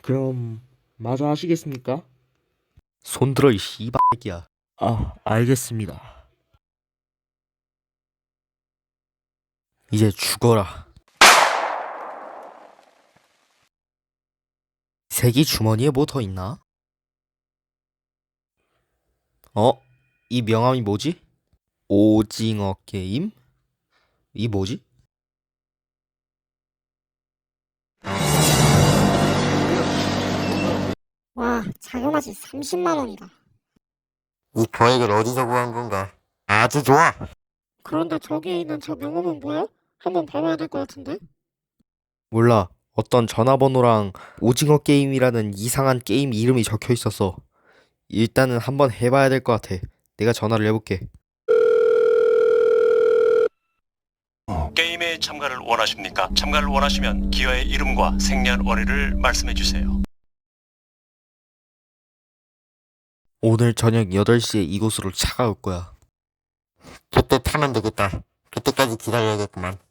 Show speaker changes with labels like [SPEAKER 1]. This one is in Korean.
[SPEAKER 1] 그럼 마저 하시겠습니까?
[SPEAKER 2] 손들어 이 씨발새끼야.
[SPEAKER 1] 알겠습니다.
[SPEAKER 2] 이제 죽어라. 새끼 주머니에 뭐 더 있나? 어? 이 명함이 뭐지? 오징어 게임? 이 뭐지?
[SPEAKER 3] 와, 자그마치 30만 원이다.
[SPEAKER 4] 이 거액을 어디서 구한 건가? 아주 좋아.
[SPEAKER 3] 그런데 저기에 있는 저 명함은 뭐야? 한번 봐봐야 될 것 같은데?
[SPEAKER 2] 몰라. 어떤 전화번호랑 오징어 게임이라는 이상한 게임 이름이 적혀 있었어. 일단은 한번 해봐야 될 것 같아. 내가 전화를 해볼게.
[SPEAKER 5] 게임에 참가를 원하십니까? 참가를 원하시면 기어의 이름과 생년월일을 말씀해 주세요.
[SPEAKER 2] 오늘 저녁 8시에 이곳으로 차가 올 거야.
[SPEAKER 4] 그때 타면 되겠다. 그때까지 기다려야겠구만.